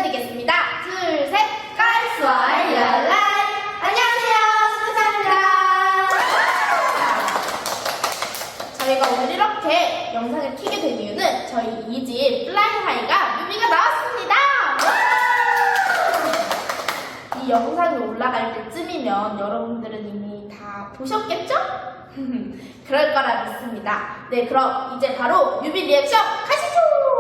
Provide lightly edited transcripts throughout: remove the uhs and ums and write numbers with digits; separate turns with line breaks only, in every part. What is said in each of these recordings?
인사드리겠습니다. 둘, 셋, 걸스와 열라이. 안녕하세요, 수사입니다. 저희가 오늘 이렇게 영상을 키게 된 이유는 저희 2집 플라잉하이가 뮤비가 나왔습니다. 이 영상이 올라갈 때쯤이면 여러분들은 이미 다 보셨겠죠? 그럴 거라 믿습니다. 네, 그럼 이제 바로 뮤비 리액션 가시죠!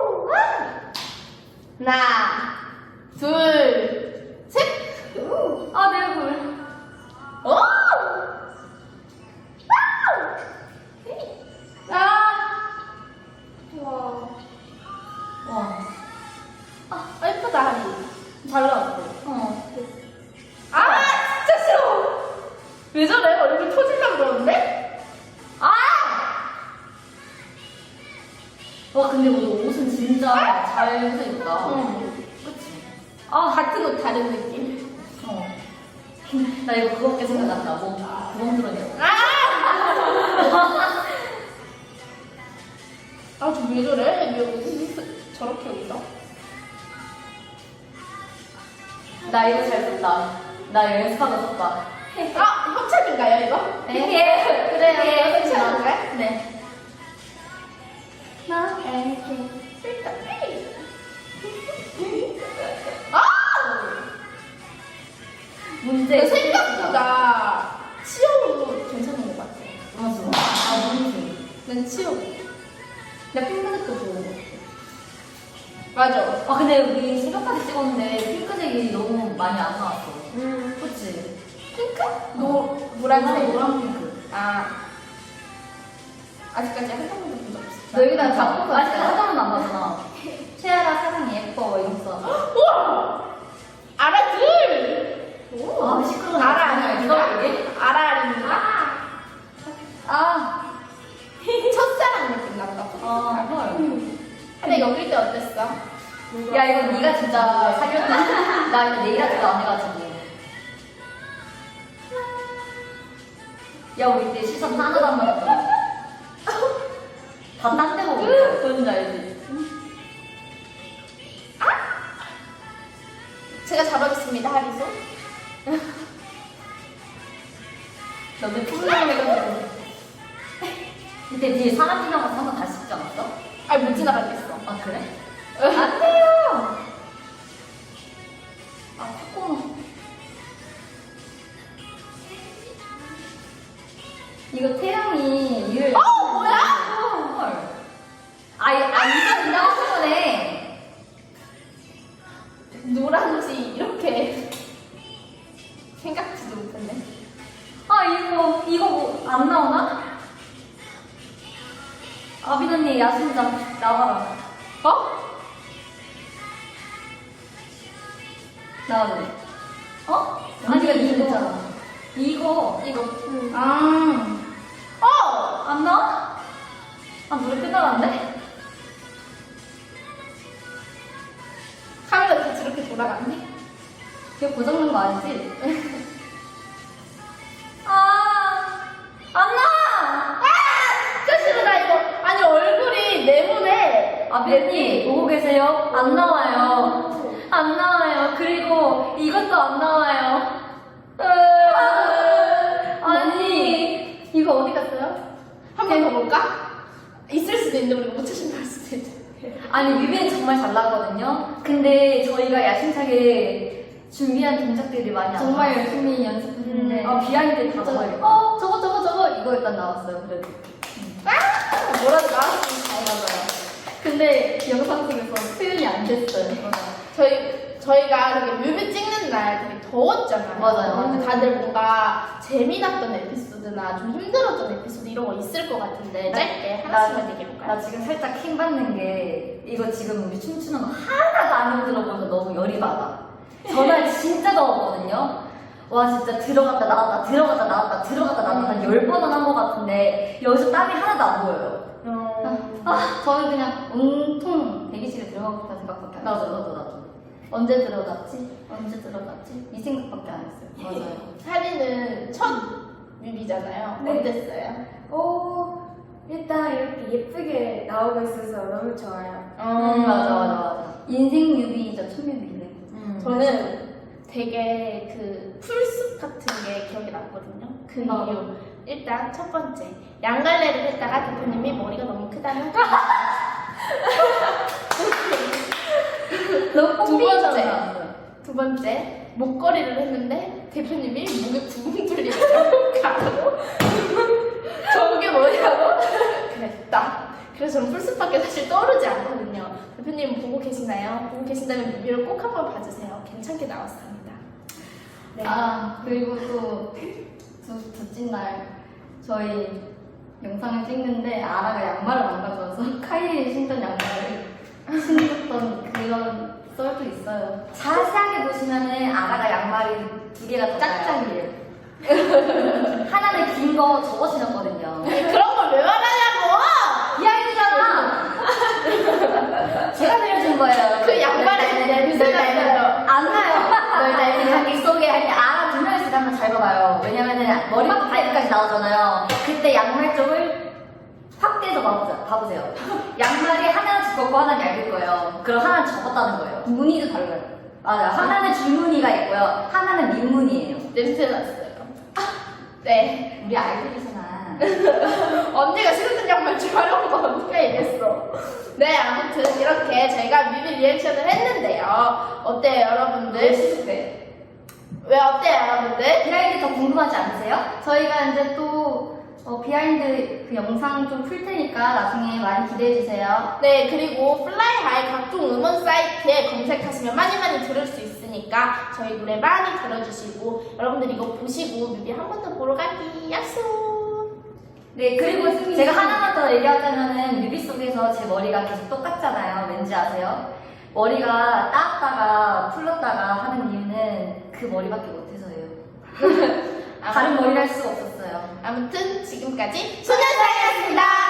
하나, 둘, 셋!
아, 내 얼굴.
오! 아! 와.
와.
아, 예쁘다, 하리. 잘 나왔어. 아, 진짜 싫어! 왜 저래? 얼굴 터질라 그러는데? 아!
와, 근데 오늘 옷은 진짜 잘 입었다.
응.
그치?
같은 옷 다른 느낌.
나 이거 그거밖에 생각 안 나고. 구멍 들어있는 거.
저 왜 저래? 왜 옷이 저렇게 입어?
나 이거 잘 썼다. 나 연습하고 썼다.
협찬인가요, 이거?
예, 그래요.
협찬인가요?
네. 나 문제
생각보다 치어도 괜찮은 것 같아.
맞아. 문제.
난 치어.
나 핑크색도 좋은 거 같아.
맞아.
근데 우리 새벽까지 찍었는데 핑크색이 너무 많이 안 나왔어. 그치?
핑크? 노란색.
노란 핑크.
아직까지 한 번도 본 적 없어.
너 여기다 작곡 아직 한 번도 안 봤잖아. 최아라 사랑이 예뻐 이러면서.
우와! 아라 둘!
시끄러워.
아라 아닙니까?
이게?
아라 아닙니까? 첫사랑 느낌 난다.
헐.
근데 여길 때 어땠어?
야 이거 네가 진짜 사귀었다. 나 이거 네일 아트도 안 해가지고. 야 우리 때 시선 하나도 안 맞았잖아. 다 딴 데 보고 있어. 뭔지 알지?
제가 잡아줬습니다, 하리소.
너네 풍랑을 해가지고. 근데 뒤에 사람 지나가서 한 번 다시 찍지 않았어?
못 지나가겠어.
아 그래? 안 돼요! 코코넛. 이거 태양이 이를.
뭐야?
헐. 이거 그냥 하신 거네.
노란지 이렇게 생각지도 못했네.
이거 뭐 안 나오나? 아빈 언니 야심장 나와라. 나와래. 아니가 이거 됐잖아. 이거. 안 나와? 노래 끝나갔는데?
카메라 이렇게 저렇게 돌아갔네.
이거 고장난 거 아니지? 안 나와!
진짜 싫어, 나 이거. 아니, 얼굴이 네모네.
아빈이 보고 계세요? 안 나와요. 안 나와요. 그리고 이것도 안 나와요. 아니,
이거 어디 갔어요? 한 번 더 볼까? 있을 수도 있는데 우리가 못 찾은다 할 수도 있는데.
아니 뮤비는 정말 잘 나거든요. 근데 저희가 야심차게 준비한 동작들이 많이 안
정말
나왔어요.
열심히 연습했는데.
비하인드 다 저거 저거 이거 일단 나왔어요. 그래도
뭐라도 나왔으면 다행이잖아요.
근데 영상 속에서 표현이 안 됐어요.
저희가 되게 뮤비 찍는 날 되게 더웠잖아요.
맞아요.
근데 다들 뭔가 재미났던 에피소드나 좀 힘들었던 에피소드 이런 거 있을 것 같은데 짧게 하나씩만 얘기해볼까요?
나 지금 살짝 킹 받는 게 이거 지금 우리 춤추는 거 하나도 안 힘들어보여서 너무 열이 받아. 전날 진짜 더웠거든요. 와 진짜 들어갔다 나왔다 들어갔다 나왔다 들어갔다 나왔다 한 10번은 한 것 같은데 여기서 땀이 하나도 안 보여요.
저는 그냥 온통 대기실에 들어가고 생각밖에 안 했어요.
나도.
언제 들어갔지? 이 생각밖에 안 했어요.
맞아요.
하리는 첫 뮤비잖아요.
네.
어땠어요?
일단 이렇게 예쁘게 나오고 있어서 너무 좋아요.
맞아.
인생 뮤비이자 첫 뮤비인데.
저는 되게 그 풀숲 같은 게 기억이 났거든요. 그 이유. 일단 첫 번째, 양갈래를 했다가 대표님이 머리가 너무 크다는
너무
두 번째.
뽕삐졌어요.
두 번째, 목걸이를 했는데 대표님이 목에 구멍 뚫리고 가고 저게 뭐냐고 그랬다. 그래서 저는 풀숲밖에 사실 떠오르지 않거든요. 대표님 보고 계시나요? 보고 계신다면 뮤비를 꼭 한번 봐주세요. 괜찮게 나왔습니다. 네.
아, 그리고 또 둘째 날 저희 영상을 찍는데 아라가 양말을 안 가져와서 카이에 신던 양말을 신었던 그런 썰도 있어요.
자세하게 보시면은 아가가 양말이 두 개가 더
짝짝이에요.
하나는 긴 거 저거 신었거든요.
그런 걸 왜 말하냐고!
이 아이잖아. 제가 빌려준 거예요.
그 양말에 냄새가 나요.
안 나요. 널 자기 속에 할 때 아라 두 명이서 한번 잘 봐봐요. 왜냐면은 머리부터 발끝까지 나오잖아요. 그때 양말 쪽을 확대해서 봐보세요. 양말이 하나는 두껍고 하나는 얇을 거예요. 그럼 하나는 접었다는 거예요.
무늬도 달라요.
맞아요. 하나는 줄무늬가 있고요. 하나는 민무늬예요.
냄새 났어요. 네.
우리 아이들이잖아.
언니가 싫었던 양말 좀 하려고 언니가 이랬어. 네, 아무튼 이렇게 저희가 뮤비 리액션을 했는데요. 어때요, 여러분들?
시습해.
왜 어때요, 여러분들?
비하인드 더 궁금하지 않으세요?
저희가 이제 또 비하인드 그 영상 좀 풀 테니까 나중에 많이 기대해 주세요.
네, 그리고 플라이하이 각종 음원 사이트에 검색하시면 많이 들을 수 있으니까 저희 노래 많이 들어주시고 여러분들 이거 보시고 뮤비 한 번 더 보러 가기 약속!
네, 그리고 제가 하나만 더 얘기하자면은 뮤비 속에서 제 머리가 계속 똑같잖아요. 왠지 아세요? 머리가 따았다가 풀렀다가 하는 이유는 그 머리밖에 못해서예요. 다른 머리를 할 수가 없었어요.
아무튼 지금까지 소년사이였습니다.